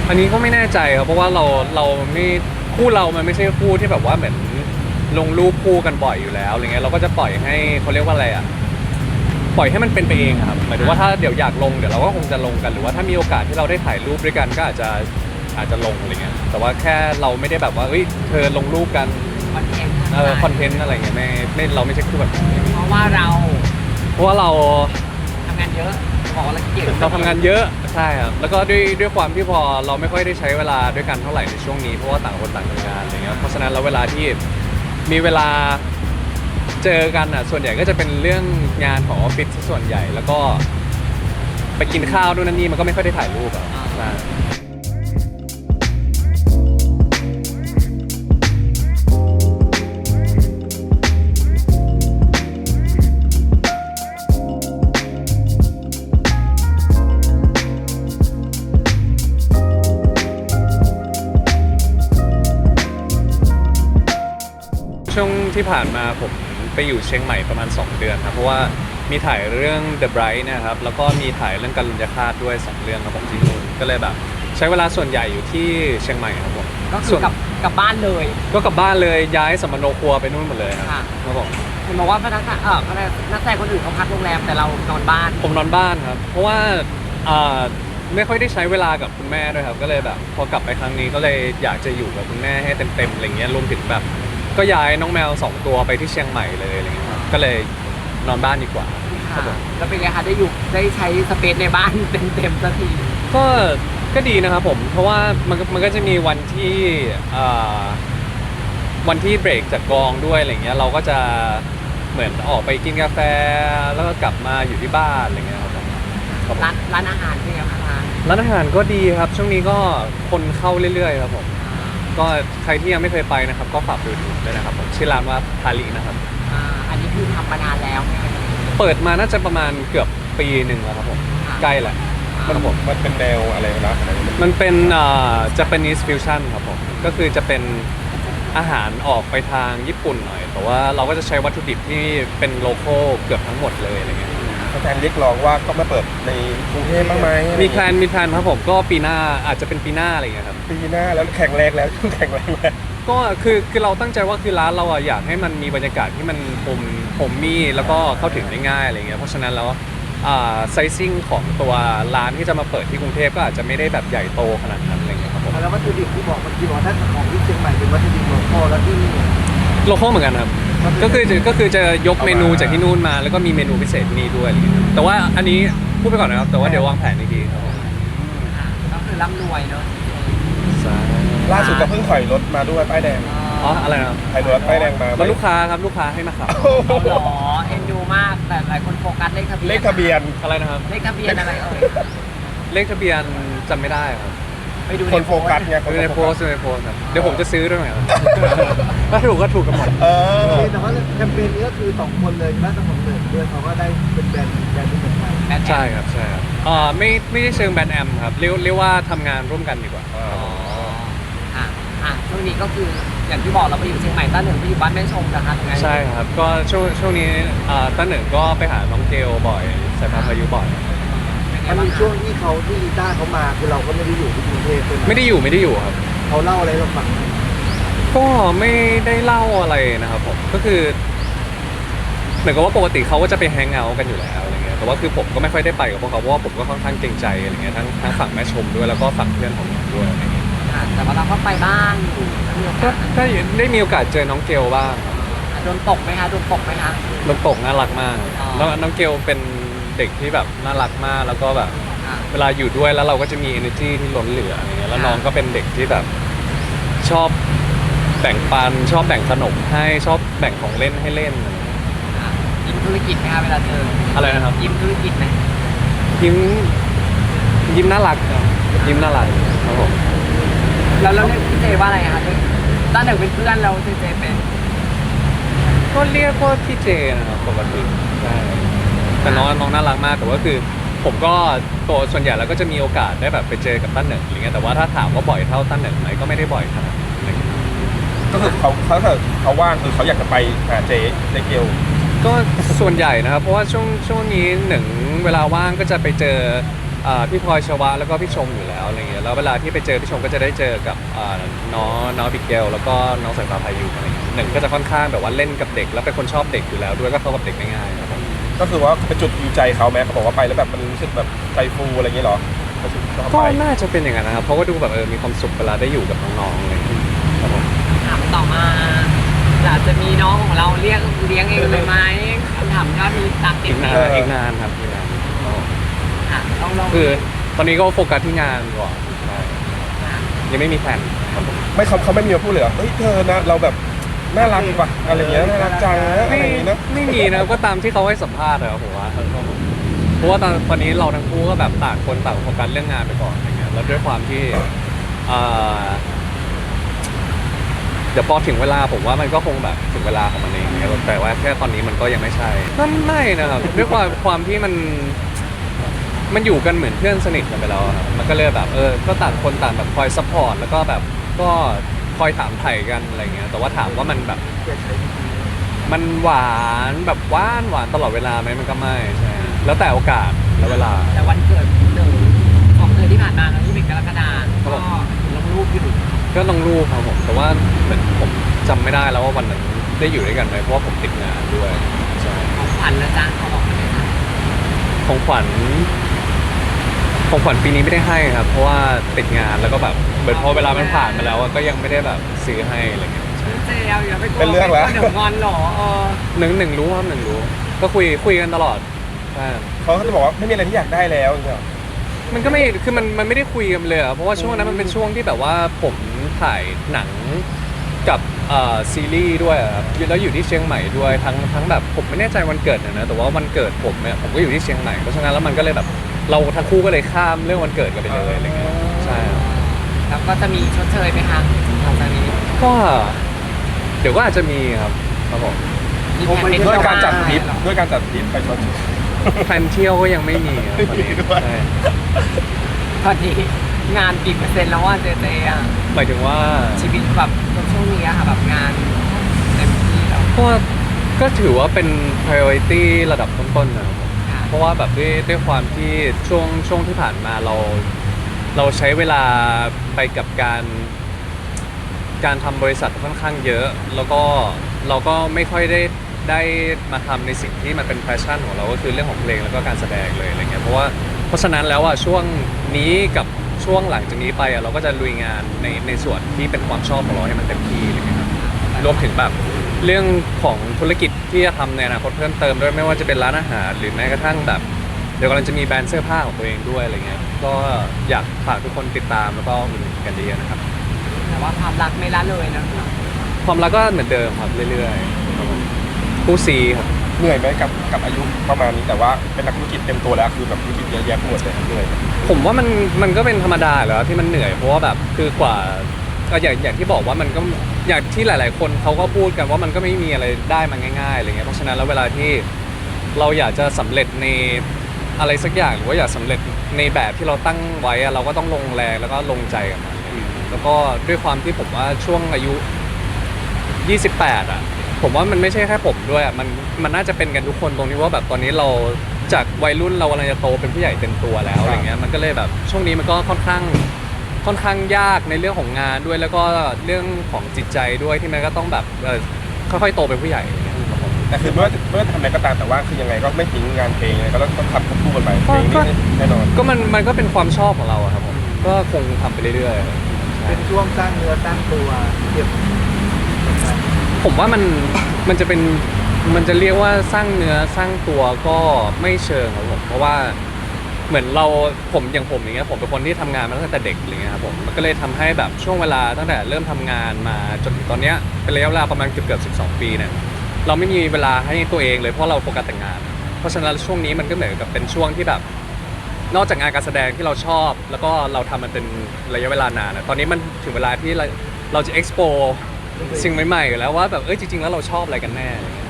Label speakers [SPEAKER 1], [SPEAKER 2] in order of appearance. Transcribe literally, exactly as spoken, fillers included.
[SPEAKER 1] อันนี้ก็ไม่แน่ใจครับเพราะว่าเราเราไม่คู่เรามันไม่ใช่คู่ที่แบบว่าเหมือนลงรูปคู่กันบ่อยอยู่แล้วอะไรเงี้ยเราก็จะปล่อยให้เขาเรียกว่าอะไรอ่ะปล่อยให้มันเป็นไปเองครับหมายถึงว่าถ้าเดี๋ยวอยากลงเดี๋ยวเราก็คงจะลงกันหรือว่าถ้ามีโอกาสที่เราได้ถ่ายรูปด้วยกันก็อาจจะอาจจะลงอะไรเงี้ยแต่ว่าแค่เราไม่ได้แบบว่าเฮ้ยเธอลงรูปกัน
[SPEAKER 2] คอนเทนต์
[SPEAKER 1] เออคอนเทนต์อะไรเงี้ยไม่ไม่เราไม่ใช่คู่แบบนี้
[SPEAKER 2] เพราะว่าเรา
[SPEAKER 1] เพราะว่าเรา
[SPEAKER 2] ทำงานเยอะขอละเกียด
[SPEAKER 1] เราทำงานเยอะใช่ครับแล้วก็ด้วยด้วยความที่พอเราไม่ค่อยได้ใช้เวลาด้วยกันเท่าไหร่ในช่วงนี้เพราะว่าต่างคนต่างทำงานอะไรเงี้ยเพราะฉะนั้นแล้วเวลาที่มีเวลาเจอกันอ่ะส่วนใหญ่ก็จะเป็นเรื่องงานของออฟฟิศส่วนใหญ่แล้วก็ไปกินข้าวด้วยนั่นนี่มันก็ไม่ค่อยได้ถ่ายรูปอ่ะใช่ช่วงที่ผ่านมาผมไปอยู่เชียงใหม่ประมาณสองเดือนครับเพราะว่ามีถ่ายเรื่อง The Bright นะครับแล้วก็มีถ่ายเรื่องการลุญยฆาตด้วยสองเรื่องครับผมที่นู่นก็เลยแบบใช้เวลาส่วนใหญ่อยู่ที่เชียงใหม่ครับผม
[SPEAKER 2] ก็คือกลับกลับบ้านเลย
[SPEAKER 1] ก็กลับบ้านเลยย้ายสัมมโนครัวไปนู่นหมดเลยครับครับผม
[SPEAKER 2] เห็นบอกว่าพนักงานเออพนักนักแสดงคนอื่นเขาพักโรงแรมแต่เรานอนบ้าน
[SPEAKER 1] ผมนอนบ้านครับเพราะว่าอ่าไม่ค่อยได้ใช้เวลากับคุณแม่ด้วยครับก็เลยแบบพอกลับไปครั้งนี้ก็เลยอยากจะอยู่กับคุณแม่ให้เต็มๆอะไรเงี้ยรวมถึงแบบก็ย้ายน้องแมวสองตัวไปที่เชียงใหม่เลยอะไรเงี้ยครับก็เลยนอนบ้านดีกว่าครับผม
[SPEAKER 2] แล้วเป็นไงคะได้อยู่ได้ใช้สเปซในบ้านเต็มๆสักที
[SPEAKER 1] ก็ก็ดีนะครับผมเพราะว่ามันมันก็จะมีวันที่วันที่เบรกจากกองด้วยอะไรเงี้ยเราก็จะเหมือนออกไปกินกาแฟแล้วก็กลับมาอยู่ที่บ้านอะไรเงี้ยครับ
[SPEAKER 2] ร้านร้านอาหารเป็นไงคะร้าน
[SPEAKER 1] ร้านอาหารก็ดีครับช่วงนี้ก็คนเข้าเรื่อยๆครับผมก็ใครที่ยังไม่เคยไปนะครับก็ฝากดูด้วยนะครับผมชื่อร้านว่าทารินะครับ
[SPEAKER 2] อ่าอันนี้คือทำมานานแล้ว
[SPEAKER 1] เปิดมาน่าจะประมาณเกือบปีหนึ่งแล้วครับผมใกล้แหละ
[SPEAKER 3] มันผมมันเป็นแนวอะไรนะ
[SPEAKER 1] มันเป็นอ่า Japanese fusion ครับผมก็คือจะเป็นอาหารออกไปทางญี่ปุ่นหน่อยแต่ว่าเราก็จะใช้วัตถุดิบที่เป็นโลคอลเกือบทั้งหมดเลยอะไรเงี้ย
[SPEAKER 3] แฟนเรียกร้องว่าก็มาเปิดในกรุงเทพบ้างไหม
[SPEAKER 1] มีแพลนมีแพลนครับผมก็ปีหน้าอาจจะเป็นปีหน้าอะไรเงี้ยครับ
[SPEAKER 3] ปีหน้าแล้วแข็งแรงแล้วช่วงแข็งแรงแล้ว
[SPEAKER 1] ก็คือคือเราตั้งใจว่าคือร้านเราอะอยากให้มันมีบรรยากาศที่มันผมผมมีแล้วก็เข้าถึงได้ง่ายอะไรเงี้ยเพราะฉะนั้นแล้วไซซิ่งของตัวร้านที่จะมาเปิดที่กรุงเทพก็อาจจะไม่ได้แบบใหญ่โตขนาดนั้นอะไรเงี้ยครับผม
[SPEAKER 4] แล้ววัตถุดิบที่บอกเมื่อกี้บอกถ้าของที่เชียงใหม่เป็นวัตถุดิบโลคอลแล้วที่นี่
[SPEAKER 1] โลคอลเหมือนกันครับก็คือก็คือจะยกเมนูจากที่นู่นมาแล้วก็มีเมนูพิเศษที่นี่ด้วยอะไรเงี้ยแต่ว่าอันนี้พูดไปก่อนนะครับแต่ว่าเดี๋ยววางแผนอีกทีครับผม
[SPEAKER 2] ก็คือร่ำรวยเนาะ
[SPEAKER 3] ล่าสุดก็เพิ่งถอยรถมาด้วยป้ายแดง
[SPEAKER 1] อ๋ออะไรนะ
[SPEAKER 3] ถอยรถป้ายแดงมา
[SPEAKER 1] แล้วลูกค้าครับลูกค้าให้มาขับ
[SPEAKER 2] หรอเอ็นดูมากแต่หลายคนโฟกัสเลขทะเบียน
[SPEAKER 3] เลขทะเบียน
[SPEAKER 1] อะไรนะครับ
[SPEAKER 2] เลขทะเบียนอะไรเอ่ย
[SPEAKER 1] เลขทะเบียนจำไม่ได้ครับ
[SPEAKER 2] ไปดู
[SPEAKER 3] คนโฟกัสไง
[SPEAKER 1] ดูในโพสในโพสครับเดี๋ยวผมจะซื้อด้วยไหมครับถ้าถูกก็ถูกกันหมด
[SPEAKER 3] เออ
[SPEAKER 4] แต่ว่าแคมเปญนี้ก็คือสองคนเลยและทั้งสองเลยด้วยเขาก็ได้เป็นแบรนด์แบรนด์ที่เหมือนกัน
[SPEAKER 1] ใช่ครับใช่ครับอ่าไม่ไม่ได้เชิงแบรนด์แอมครับเรียกเรียกว่าทำงานร่วมกันดีกว่า
[SPEAKER 2] อ๋ออ่ะอ่ะช่วงนี้ก็คืออย่างที่บอกเราไปอยู่เชียงใหม่ต้าหนึ่งไปอยู่บ้านแม่ชมนะคะตรงนั้น
[SPEAKER 1] ใช่ครับก็ช่วงช่วงนี้อ่าต้าหนึ่งก็ไปหาน้องเกลบ่อยสายพานพายุบ่อย
[SPEAKER 4] มันมีช่วงที่เขาที่ต้าเขามาคือเราก็ไม่ได้อยู่ที่กรุงเทพเลย
[SPEAKER 1] ไม่ได้อยู่ไม่ได้อยู่ครับ
[SPEAKER 4] เขาเล่าอะไรเราฟัง
[SPEAKER 1] ก็ไม่ได้เล่าอะไรนะครับผมก็คือเหมือนกับว่าปกติเขาก็จะไปแฮงเอาท์กันอยู่แล้วอะไรเงี้ยแต่ว่าคือผมก็ไม่ค่อยได้ไปกับพวกเขาเพราะว่าผมก็ค่อนข้างเกรงใจอะไรเงี้ยทั้งทั้งฝั่งแม่ชมด้วยแล้วก็ฝั่งเพื่อนผมด้วยอะไรเงี้ย
[SPEAKER 2] แต่ว่าเราก็ไปบ้าง
[SPEAKER 1] ก็ได้ได้มีโอกาสเจอน้องเกลบ้าง
[SPEAKER 2] โดนตกไหมคะโดนตกไหมคะ
[SPEAKER 1] โดนตกน่ารักมากแล้วน้องเกลเป็นเด็กที่แบบน่ารักมากแล้วก็แบบเวลาอยู่ด้วยแล้วเราก็จะมี energy ที่ล้นเหลืออะไรเงี้ยแล้วน้องก็เป็นเด็กที่แบบชอบแบ่งปันชอบแบ่งขนมให้ชอบแบ่งของเล่นให้เล่น
[SPEAKER 2] ยิ้มธุรกิจไหมคะเวลาเจอ
[SPEAKER 1] อะไรนะครับ
[SPEAKER 2] ยิ้มธุรกิจไหม
[SPEAKER 1] ยิ้มยิ้มน่ารักยิ้มน่ารักครับผม
[SPEAKER 2] แล้วแล้วเรียกพี่เจว่าอะไรคะต้าหนึ่งเป็นเพื่อนเราเจเจเป็น
[SPEAKER 1] ก็เรียกว่าพี่เจนะครับปกติใช่แต่น้องน้องน่ารักมากแต่ว่าคือผมก็ตัวส่วนใหญ่แล้วก็จะมีโอกาสได้แบบไปเจอกับต้าหนึ่งอะไรเงี้ยแต่ว่าถ้าถามว่าบ่อยเท่าต้าหนึ่งไหมก็ไม่ได้บ่อยขนาดนั้น
[SPEAKER 3] ก็คือเขาเขาเขาว่างคือเขาอยากจะไปหาเจ๊เจ๊เกล
[SPEAKER 1] ก็ส่วนใหญ่นะครับเพราะว่าช่วงช่วงนี้หนึ่งเวลาว่างก็จะไปเจออ่าพี่พลอยชวะแล้วก็พี่ชมอยู่แล้วอะไรเงี้ยแล้วเวลาที่ไปเจอพี่ชมก็จะได้เจอกับอ่าน้องน้องบิเกลแล้วก็น้องสายฟ้าพายุอะไรเงี้ยหนึ่งก็จะค่อนข้างแบบว่าเล่นกับเด็กแล้วเป็นคนชอบเด็กอยู่แล้วด้วยก็เข้ากับเด็กได้ง่ายครับผม
[SPEAKER 3] ก็คือว่าเป็นจุดยูใจเขาไหมเขาบอกว่าไปแล้วแบบมันรู้สึกแบบใจฟูอะไรอย่างเงี้ยเหรอเขาถึงชอบ
[SPEAKER 1] ก็
[SPEAKER 3] ไป
[SPEAKER 1] น่าจะเป็นอย่างนั้นนะครับเพราะว่าดูแบบเออมีความสุขเวลาได้อยู่กับน้องๆอะไรเงี้ยครับผม
[SPEAKER 2] ถามต่อมาอยากจะมีน้องของเราเรียกเลี้ยงเองเลยไหมคำถามก็มีตามติ
[SPEAKER 1] อี
[SPEAKER 2] ด
[SPEAKER 1] ก
[SPEAKER 2] ไหม
[SPEAKER 1] นานอีกนานครับอีกนานครับผม
[SPEAKER 2] ค่ะต้องลอง
[SPEAKER 1] คือตอนนี้ก็โฟกัสที่งานก่อนใช่ยังไม่มีแผนครับผม
[SPEAKER 3] ไม่เขาเขาไม่มีมาพูดเลยเหรอเฮ้ยเธอนะเราแบบน่ารักว่ะอะไรอย่างเงี้ยน่ารักจังนะอะไร
[SPEAKER 1] ไม่
[SPEAKER 3] อย่างงี้นะ
[SPEAKER 1] ไม่มีนะครับก็ตามที่เขาให้สัมภาษณ์อะผมว่าเพราะว่าตอนตอนนี้เราทั้งคู่ก็แบบต่างคนต่างโฟกัสเรื่องงานไปก่อนอะไรเงี้ยแล้วด้วยความที่เอ่อเดี๋ยวพอถึงเวลาผมว่ามันก็คงแบบถึงเวลาของมันเองเนี่ยแต่ว่าแค่ตอนนี้มันก็ยังไม่ใช่ก็ไม่นะครับด้วยความความที่มันมันอยู่กันเหมือนเพื่อนสนิทกันไปแล้วอะครับมันก็เลยแบบเออก็ต่างคนต่างแบบคอยซัพพอร์ตแล้วก็แบบก็คอยถามไถ่กันอะไรเงี้ยแต่ว่าถามว่ามันแบบ มันหวานแบบหวานหวานตลอดเวลาไหมมันก็ไม่ใช่แล้วแต่โอกาสแล้วเวลา
[SPEAKER 2] แต่วันเกิดหนึ่งของเดือนที่ผ่านมาครับที่เป็นกรกฎาคม
[SPEAKER 1] ครับผม
[SPEAKER 2] ก็ลงรูปอยู่
[SPEAKER 1] ก็ลงรูปครับผมแต่ว่าเหมือนผมจำไม่ได้แล้วว่าวันนั้นได้อยู่ด้วยกันไหมเพราะว่าผมติดงานด้วยใช่
[SPEAKER 2] ของขวัญนะจ๊ะเขาบอกเลยค่ะ
[SPEAKER 1] ของขวัญของขวัญปีนี้ไม่ได้ให้ครับ เพราะว่าติดงานแล้วก็แบบเหมือนพอเวลามันผ่านมาแล้วอะก็ยังไม่ได้แบบซื้อให้อะไรเงี้ยใช่
[SPEAKER 2] เจลอย่าไปกลัว
[SPEAKER 3] เป็นเรื่องแล้ว
[SPEAKER 2] เดี๋ยวงอนเหรอเออ
[SPEAKER 1] หนึ่งหนึ่งรู้ครับหนึ่งรู้ ก็คุยคุยกันตลอดใช่
[SPEAKER 3] เขาก็จะบอกว่าไม่มีอะไรที่อยากได้แล้วอย่างเงี้ยเหรอ
[SPEAKER 1] มันก็ไม่ คือมัน มันไม่ได้คุยกันเลยอะเพราะว่าช่วงนั้นมันเป็นช่วงที่แบบว่าผมถ่ายหนังกับเอ่อซีรีส์ด้วยอะครับแล้วอยู่ที่เชียงใหม่ด้วย ทั้ง ทั้งแบบผมไม่แน่ใจวันเกิดนะนะ แต่ว่าวันเกิดผมเนี่ยผมก็อยู่ที่เชียงใหม่ เพราะฉะนั้นแล้วมันก็เลยแบบเราทั้งคู่ก็เลยข้ามเรื่องวันเกิดกันไปเลยอะไรเงี้ย ใช่ครับ
[SPEAKER 2] แล้วก็จะมีชดเชยไหมคะหลังจากนี้
[SPEAKER 1] ก็เดี๋ยวก็อาจจะมีครับครับผม
[SPEAKER 2] มีแผนไป
[SPEAKER 3] ด้
[SPEAKER 2] เที่
[SPEAKER 3] วย
[SPEAKER 2] ยว
[SPEAKER 3] การจัดทริป
[SPEAKER 2] บ้นเหอ
[SPEAKER 3] ด้วยการจัดทริปไปชด
[SPEAKER 1] แพลนเที่ยวก็ยังไม่มีครับตอนนี้
[SPEAKER 3] ไม่มีด้วย
[SPEAKER 1] ใช่
[SPEAKER 2] ตอนนี้งานกี่เปอร์เซ็นต์แล้วว่าเจเจอ่ะ
[SPEAKER 1] หมายถึงว่า
[SPEAKER 2] ชีวิตแบบช่วงนี้อะค่ะแบบงานเต็มที่แล้ว
[SPEAKER 1] ก็ก็ถือว่าเป็น priority ระดับต้นๆนะครับ
[SPEAKER 2] ค่ะ
[SPEAKER 1] เพราะว่าแบบด้วยด้วยความที่ช่วงช่วงที่ผ่านมาเรา เราใช้เวลาไปกับการการทำบริษัทค่อนข้างเยอะ แล้วก็เราก็ไม่ค่อยได้ได้มาทำในสิ่งที่มันเป็นแพชชั่นของเราก็คือเรื่องของเพลงแล้วก็การแสดงเลยอะไรเงี้ยเพราะว่าเพราะฉะนั้นแล้วอ่ะช่วงนี้กับช่วงหลังจากนี้ไปอ่ะเราก็จะลุยงานในในส่วนที่เป็นความชอบของเราให้มันเต็มที่อะไรเงี้ยครับรวมถึงแบบเรื่องของธุรกิจที่จะทำในอนาคตเพิ่มเติมด้วยไม่ว่าจะเป็นร้านอาหารหรือแม้กระทั่งแบบ เดี๋ยวกำลังจะมีแบรนด์เสื้อผ้าของตัวเองด้วยอะไรเงี้ย ก็อยากฝากทุกคนติดตามแล้วก็อุดหนุนกันเยอะๆนะครับ
[SPEAKER 2] แต่ว่าความรักไม่ละเลยนะคะ
[SPEAKER 1] ความรักก็เหมือนเดิมครับเรื่อยๆครับผมคู่ซีครับ
[SPEAKER 3] เหนื่อยไหมกับกับอายุประมาณนี้แต่ว่าเป็นนักธุรกิจเต็มตัวแล้วคือแบบธุรกิจเยอะแยะไปหมดเลยเหนื่อยไหม
[SPEAKER 1] ผมว่ามันมันก็เป็นธรรมดาอยู่แล้วที่มันเหนื่อยเพราะว่าแบบคือกว่าก็อย่างอย่างที่บอกว่ามันก็อย่างที่หลาย ๆ คนเขาก็พูดกันว่ามันก็ไม่มีอะไรได้มาง่ายๆอะไรเงี้ยเพราะฉะนั้นแล้วเวลาที่เราอยากจะสำเร็จในอะไรสักอย่างหรือว่าอยากสำเร็จในแบบที่เราตั้งไว้อะเราก็ต้องลงแรงแล้วก็ลงใจกับมันอะไรเงี้ยแล้วก็ด้วยความที่ผมว่าช่วงอายุ ยี่สิบแปดอ่ะผมว่ามันไม่ใช่แค่ผมด้วยอ่ะมันมันน่าจะเป็นกันทุกคนตรงนี้ว่าแบบตอนนี้เราจากวัยรุ่นเรากำลังจะโตเป็นผู้ใหญ่เต็มตัวแล้วอะไรเงี้ยมันก็เลยแบบช่วงนี้มันก็ค่อนข้างค่อนข้างยากในเรื่องของงานด้วยแล้วก็เรื่องของจิตใจด้วยที่มันก็ต้องแบบเออค่อยๆโตเป็นผู้ใหญ่อะไรเงี้ยครับผม
[SPEAKER 3] แต่คือไม่ว่าจะไม่ว่าจะทำอะไรก็ตามแต่ว่าคือยังไงก็ไม่ทิ้งงานเพลงยังไงก็ต้องทำควบคู่กันไปเพลงนี้แน่นอน
[SPEAKER 1] ก็มันมันก็เป็นความชอบของเราอะครับผมก็คงทำไปเรื่อยๆใช่
[SPEAKER 4] เป็นช่วงสร้างเนื้อสร้างตัวเก็บ
[SPEAKER 1] ผมว่ามันมันจะเป็นมันจะเรียกว่าสร้างเนื้อสร้างตัวก็ไม่เชิงครับผมเพราะว่าเหมือนเราผมอย่างผมอย่างเงี้ยผมเป็นคนที่ทำงานมาตั้งแต่เด็กอะไรเงี้ยครับผมมันก็เลยทำให้แบบช่วงเวลาตั้งแต่เริ่มทำงานมาจนถึงตอนเนี้ยเป็นระยะเวลาประมาณเกือบเกือบสิบสองปีเนี่ยเราไม่มีเวลาให้ตัวเองเลยเพราะเราโฟกัสแต่งาน เพราะฉะนั้นช่วงนี้มันก็เหมือนกับเป็นช่วงที่แบบ นอกจากงานการแสดงที่เราชอบ แล้วก็เราทำมันเป็นระยะเวลานานอะตอนนี้มันถึงเวลาที่เราเราจะ explore สิ่งใหม่ๆอยู่แล้วว่าแบบเอ้ยจริงๆแล้วเราชอบอะไรกันแน่อะไรเงี้ย